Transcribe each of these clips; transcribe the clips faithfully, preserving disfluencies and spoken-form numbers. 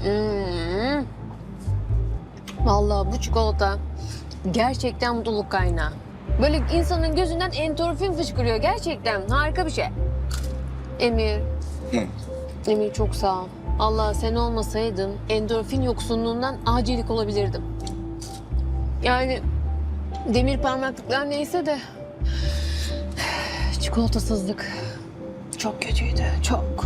Hmm. Vallahi bu çikolata gerçekten mutluluk kaynağı. Böyle insanın gözünden endorfin fışkırıyor gerçekten. Harika bir şey. Emir. Hı. Emir çok sağ ol. Allah sen olmasaydın endorfin yoksunluğundan acilik olabilirdim. Yani demir parmaklıklar neyse de çikolatasızlık çok kötüydü, çok.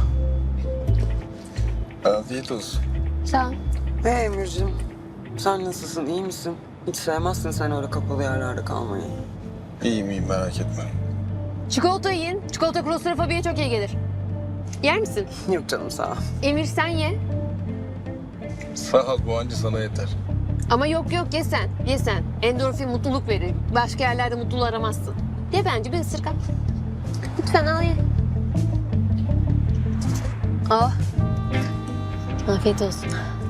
Afiyet olsun. Sağ ol. Hey Emir'cim, sen nasılsın, iyi misin? Hiç sevmezsin sen öyle kapalı yerlerde kalmayı. İyiyim iyiyim merak etme. Çikolata yiyin. Çikolata klostrofobiye çok iyi gelir. Yer misin? Yok canım sağ ol. Emir sen ye. Sağ ol bu anca sana yeter. Ama yok yok ye sen. Ye sen. Endorfin mutluluk verir. Başka yerlerde mutluluğu aramazsın. Ye bence bir ısırık al. Lütfen al ye. Oh. Afiyet olsun.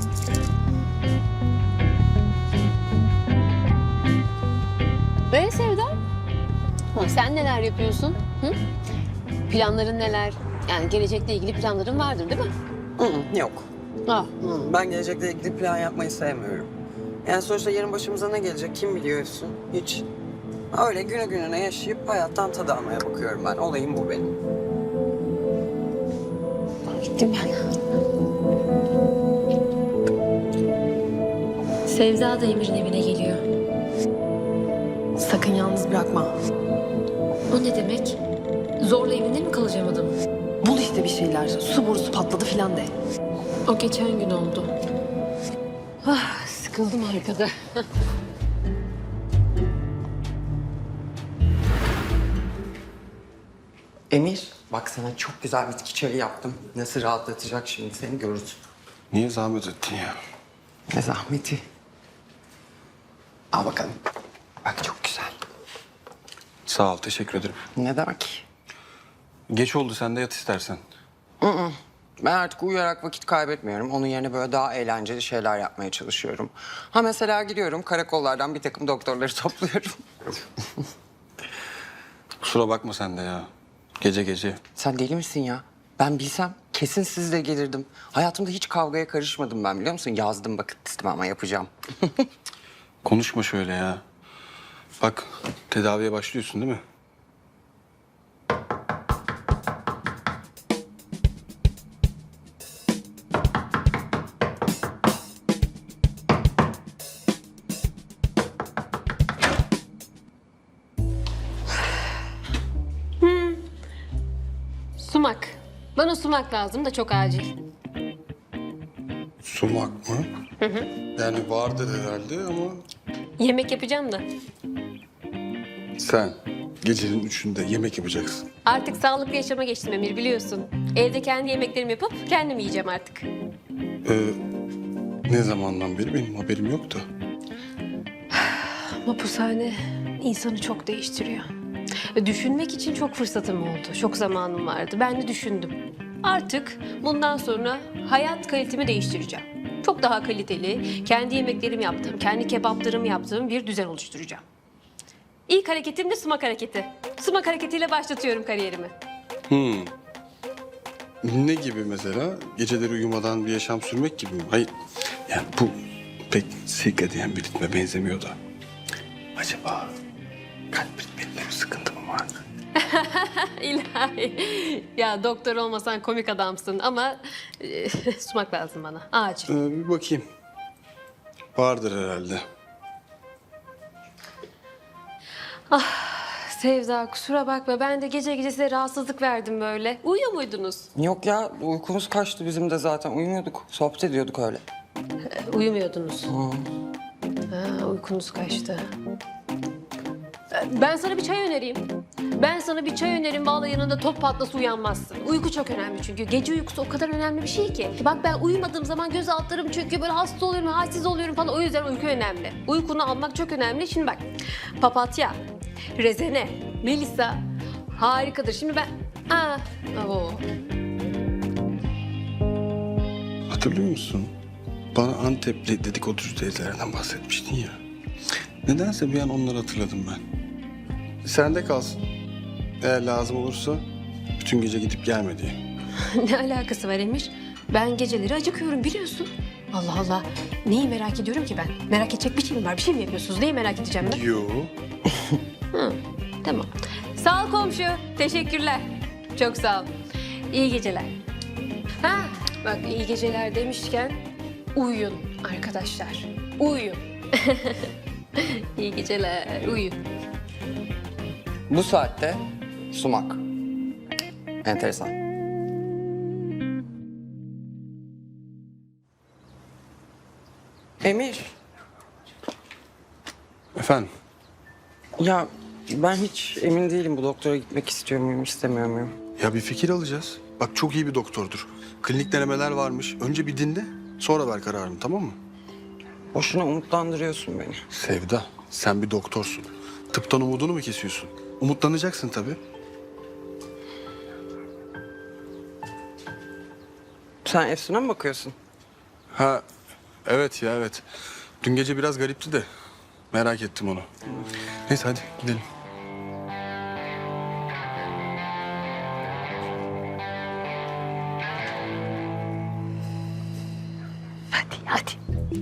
Böyle Sevda. Ha, sen neler yapıyorsun? Hı? Planların neler? Yani gelecekle ilgili planların vardır değil mi? Hı hı, yok. Ah. Hı, ben gelecekle ilgili plan yapmayı sevmiyorum. Yani sonuçta yarın başımıza ne gelecek kim biliyorsun? Hiç. Öyle günü gününe yaşayıp hayattan tad almaya bakıyorum ben. Olayım bu benim. Gittim ben. Sevda da Emir'in evine geliyor. Sakın yalnız bırakma. O ne demek? Zorla evinde mi kalacağım adam? Bul işte bir şeyler. Su borusu patladı filan de. O geçen gün oldu. Ah, sıkıldım arkada. Emir, bak sana çok güzel bitki çayı yaptım. Nasıl rahatlatacak şimdi seni görürsün. Niye zahmet ettin ya? Ne zahmeti. Al bakalım. Bak çok güzel. Sağ ol teşekkür ederim. Ne demek? Geç oldu sen de yat istersen. Ben artık uyuyarak vakit kaybetmiyorum. Onun yerine böyle daha eğlenceli şeyler yapmaya çalışıyorum. Ha mesela gidiyorum karakollardan bir takım doktorları topluyorum. Kusura bakma sen de ya. Gece gece. Sen deli misin ya? Ben bilsem kesin sizle gelirdim. Hayatımda hiç kavgaya karışmadım ben biliyor musun? Yazdım bucket listime ama yapacağım. Konuşma şöyle ya. Bak tedaviye başlıyorsun değil mi? Sumak. Bana sumak lazım da çok acil. Sumak mı? Hı hı. Yani vardır herhalde ama Yemek yapacağım da. sen gecenin üçünde yemek yapacaksın. Artık sağlıklı yaşama geçtim Emir biliyorsun. Evde kendi yemeklerimi yapıp kendim yiyeceğim artık. Ee, ne zamandan beri benim haberim yoktu. Mapushane insanı çok değiştiriyor. Düşünmek için çok fırsatım oldu. Çok zamanım vardı. Ben de düşündüm. Artık bundan sonra hayat kalitemi değiştireceğim. Çok daha kaliteli, kendi yemeklerimi yaptığım, kendi kebaplarımı yaptığım bir düzen oluşturacağım. İlk hareketim de sumak hareketi. Sumak hareketiyle başlatıyorum kariyerimi. Hmm. Ne gibi mesela? Geceleri uyumadan bir yaşam sürmek gibi mi? Hayır. Yani bu pek sirkadiyen bir ritme benzemiyor da. Acaba kalp ritminde bir sıkıntı mı vardı? İlahi. Ya doktor olmasan komik adamsın ama e, sumak lazım bana. Acil. Ee, bir bakayım. Vardır herhalde. Sevda kusura bakma ben de gece gece size rahatsızlık verdim böyle. Uyuyor muydunuz? Yok ya uykumuz kaçtı bizim de zaten. Uyumuyorduk. Sohbet ediyorduk öyle. Uyumuyordunuz. Ha, uykunuz kaçtı. Ben sana bir çay önereyim. Ben sana bir çay önerim. Vallahi yanında top patlası uyanmazsın. Uyku çok önemli çünkü. Gece uykusu o kadar önemli bir şey ki. Bak ben uyumadığım zaman göz altlarım çöküyor. Böyle hasta oluyorum, halsiz oluyorum falan. O yüzden uyku önemli. Uykunu almak çok önemli. Şimdi bak papatya, rezene, melisa harikadır. Şimdi ben... Aa, oo. Hatırlıyor musun? Bana Antepli dedikoducu teyzelerden bahsetmiştin ya. Nedense bir an onları hatırladım ben. Sende kalsın. Eğer lazım olursa bütün gece gidip gelme diye. Ne alakası var Emir? Ben geceleri acıkıyorum biliyorsun. Allah Allah. Neyi merak ediyorum ki ben? Merak edecek bir şey mi var? Bir şey mi yapıyorsunuz? Neyi merak edeceğim ben? Yo. Hı, tamam. Sağ ol komşu. Teşekkürler. Çok sağ ol. İyi geceler. Ha, bak iyi geceler demişken uyuyun arkadaşlar. Uyuyun. İyi geceler. Uyuyun. Bu saatte sumak. Enteresan. Emir, Efendim? ya ben hiç emin değilim bu doktora gitmek istiyor muyum, istemiyor muyum? Ya bir fikir alacağız. Bak çok iyi bir doktordur. Klinik denemeler varmış. Önce bir dinle, sonra ver kararını, tamam mı? Boşuna umutlandırıyorsun beni. Sevda, sen bir doktorsun. Tıptan umudunu mu kesiyorsun? Umutlanacaksın tabii. Sen Efsun'a mı bakıyorsun? Ha, evet ya evet. Dün gece biraz garipti de merak ettim onu. Neyse hadi gidelim. Hadi hadi.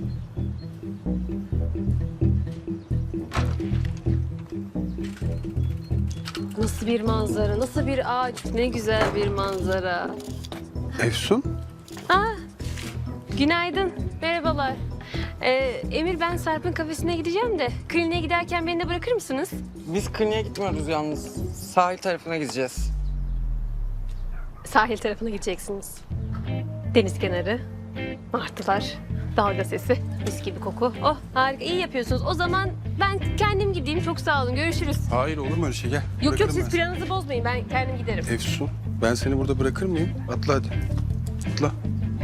Nasıl bir manzara, nasıl bir ağaç, ne güzel bir manzara. Efsun? Aa, günaydın, merhabalar. Ee, Emir, ben Sarp'ın kafesine gideceğim de kliniğe giderken beni de bırakır mısınız? Biz kliniğe gitmiyoruz yalnız. Sahil tarafına gideceğiz. Sahil tarafına gideceksiniz. Deniz kenarı, martılar, dalga sesi, mis gibi koku. Oh harika, iyi yapıyorsunuz. O zaman ben kendim gideyim. Çok sağ olun, görüşürüz. Hayır olur mu öyle şey, gel. Yok yok, Bırakırım siz ben seni. planınızı bozmayın. Ben kendim giderim. Efsun, ben seni burada bırakır mıyım? Atla hadi. Atla.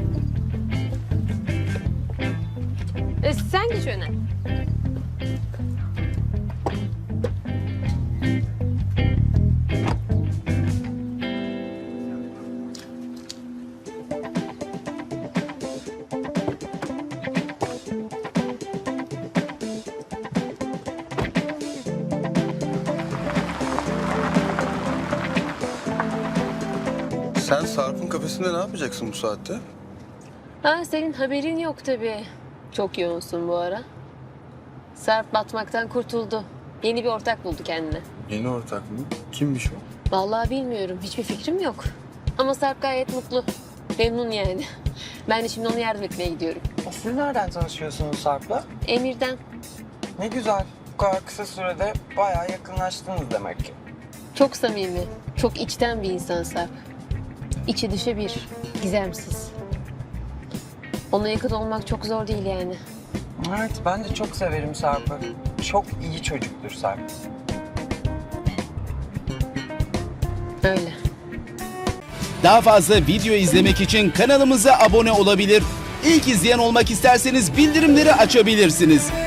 Ee, sen geç öne. Sen Sarp'ın kafesinde ne yapacaksın bu saatte? Ha, senin haberin yok tabii. Çok yoğunsun bu ara. Sarp batmaktan kurtuldu. Yeni bir ortak buldu kendine. Yeni ortak mı? Kimmiş o? Vallahi bilmiyorum. Hiçbir fikrim yok. Ama Sarp gayet mutlu. Memnun yani. Ben de şimdi ona yardım etmeye gidiyorum. Siz nereden tanışıyorsunuz Sarp'la? Emir'den. Ne güzel. Bu kadar kısa sürede bayağı yakınlaştınız demek ki. Çok samimi, çok içten bir insan Sarp. İçi dışı bir, gizemsiz. Ona yakın olmak çok zor değil yani. Evet, ben de çok severim Sarp'ı. Çok iyi çocuktur Sarp. Öyle. Daha fazla video izlemek için kanalımıza abone olabilir. İlk izleyen olmak isterseniz bildirimleri açabilirsiniz.